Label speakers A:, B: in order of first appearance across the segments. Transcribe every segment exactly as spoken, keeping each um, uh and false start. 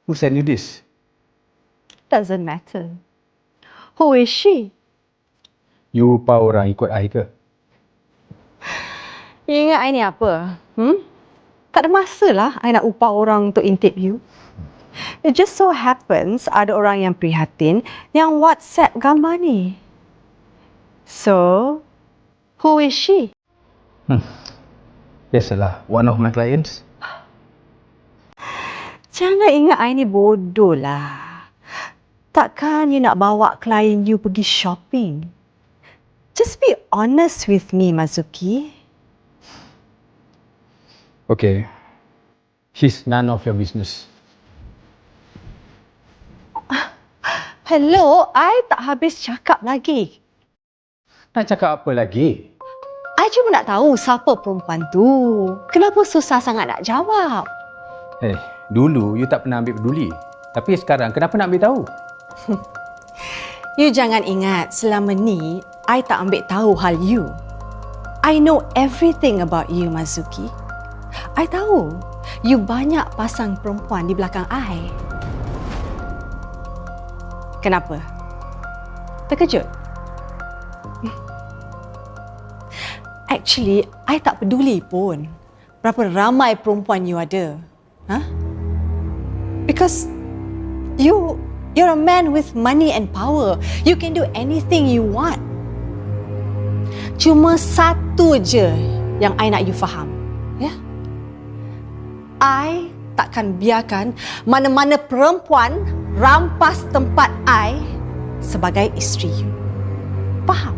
A: Who sent you this?
B: Doesn't matter. Who is she?
A: You lupa orang ikut I ke?
B: You ingat I ni apa? Hmm? Tak ada masa lah I nak upah orang untuk intip you. It just so happens ada orang yang prihatin yang WhatsApp gambar ni. So, who is she?
A: Hmm. Biasalah, one of my clients.
B: Jangan ingat I ni bodoh lah. Takkan you nak bawa klien you pergi shopping? Just be honest with me, Mazuki.
A: Okay. She's none of your business.
B: Hello, I tak habis cakap lagi.
A: Nak cakap apa lagi?
B: I cuma nak tahu siapa perempuan tu. Kenapa susah sangat nak jawab?
A: Eh, hey, dulu you tak pernah ambil peduli. Tapi sekarang kenapa nak ambil tahu?
B: You jangan ingat selama ni I tak ambil tahu hal you. I know everything about you, Mazuki. I tahu you banyak pasang perempuan di belakang I. Kenapa? Terkejut? Actually, I tak peduli pun berapa ramai perempuan you ada. Huh? Because you you're a man with money and power. You can do anything you want. Cuma satu je yang I nak you faham. Ya? Yeah? I takkan biarkan mana-mana perempuan rampas tempat I sebagai isteri you. Faham?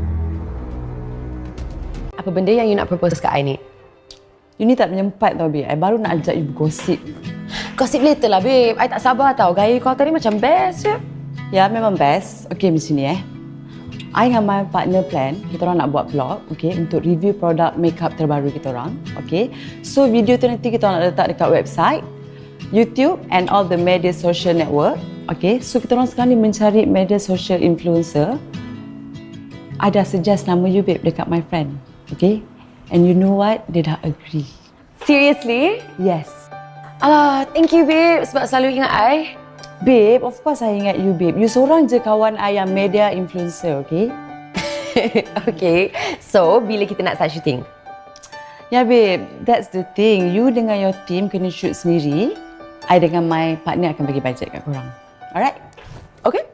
C: Apa benda yang you nak propose kat I ni? You ni tak menyempat tau, babe. I baru nak ajak you bergosip. Gosip later lah, babe. I tak sabar tau. Gaya kau tadi macam best je. Ya, memang best. Okay, macam ni eh. I dengan my partner plan, kita orang nak buat vlog, okay, untuk review produk makeup terbaru kita orang, okay. So, video tu nanti kita orang nak letak dekat website, YouTube and all the media social network, okay. So, kita orang sekarang ni mencari media social influencer. I dah suggest nama you, babe, dekat my friend, okay. And you know what? Dia dah agree.
D: Seriously?
C: Yes.
D: Alah, thank you, babe, sebab selalu ingat I.
C: Babe, of course I ingat you, babe. You seorang je kawan I yang media influencer, okay?
D: Okay, so bila kita nak start shooting?
C: Ya, babe, that's the thing. You dengan your team kena shoot sendiri. I dengan my partner akan bagi bajet kat korang. Alright?
D: Okay?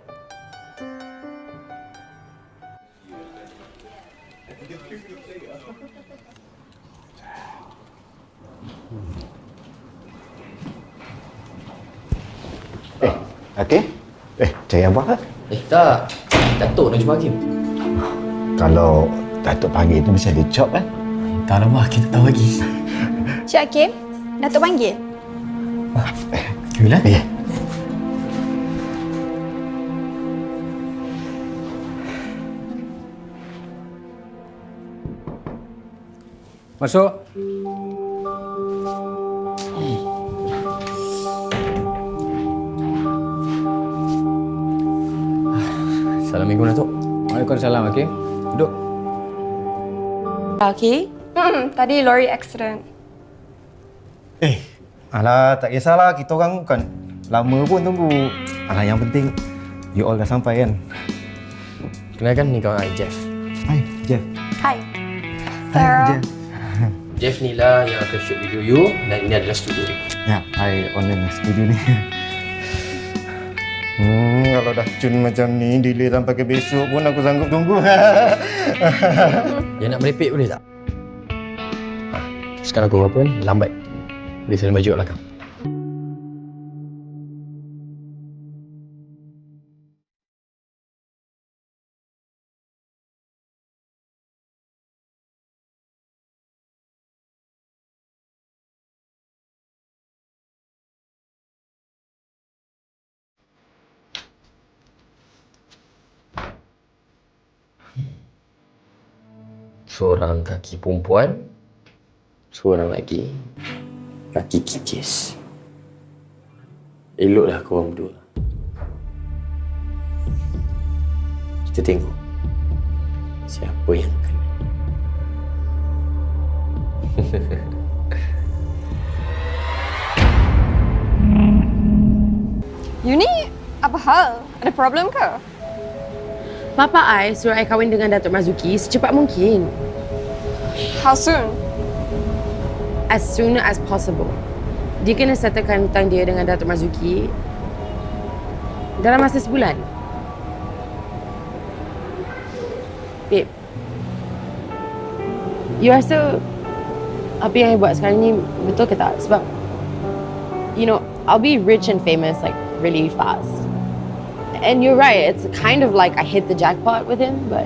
E: Eh, Hakim? Eh, cari abang ke?
F: Eh, tak. Datuk nak jumpa Hakim.
E: Kalau Datuk panggil tu mesti ada job kan?
F: Tak lama, kita tahu lagi.
G: Cik Hakim, Datuk panggil.
F: Yalah.
E: Ya.
A: Masuk.
F: Assalamualaikum, Datuk.
A: Waalaikumsalam, okey. Duduk.
G: Okay. Hmm, tadi lori accident.
E: Eh, alah tak kisahlah. Kita orang bukan lama pun tunggu. Alah yang penting you all dah sampai kan?
F: Kenalkan, ni kawan I, Jeff.
E: Hai, Jeff.
G: Hai.
E: Hai,
G: Sarah.
E: Jeff.
F: Jeff ni lah yang akan shoot video you dan ini adalah studio dia.
E: Ya, I owner studio ni. Hmm, kalau dah cun macam ni, delay sampai ke besok pun aku sanggup tunggu.
F: Yang nak merepek boleh tak? Ha, sekarang aku apa ni? Lambat. Boleh saling baju kat belakang. Seorang kaki perempuan, seorang lagi kaki kikis. Eloklah korang berdua. Kita tengok siapa yang kena.
G: You ni apa hal? Ada problem ke?
C: Papa I suruh I kahwin dengan Datuk Marzuki secepat mungkin.
G: How soon?
C: As soon as possible. Dia kena settlekan hutang dia dengan Datuk Marzuki dalam masa sebulan. Babe, you rasa apa yang I buat sekarang ni betul ke tak? Sebab, you know, I'll be rich and famous like really fast. And you're right, it's kind of like I hit the jackpot with him, but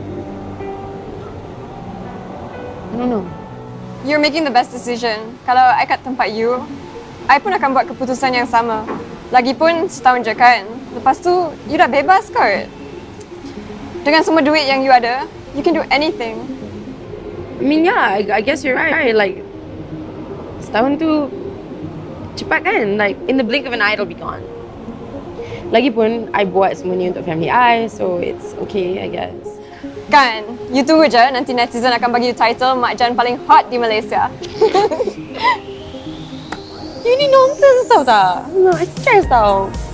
C: I don't know.
G: You're making the best decision. Kalau I kat tempat you, I pun akan buat keputusan yang sama. Lagipun setahun je kan. Lepas tu, you dah bebas kot. Dengan semua duit yang you ada, you can do anything.
C: I mean, yeah, I, I guess you're right. Like, setahun tu cepat kan? Like, in the blink of an eye, it'll be gone. Lagipun, I buat semua ni untuk family I, so it's okay, I guess.
G: Kan? You tunggu je, nanti netizen akan bagi you title Mak Jan paling hot di Malaysia.
C: You ni nonsense tau tak? No, it's stress tau.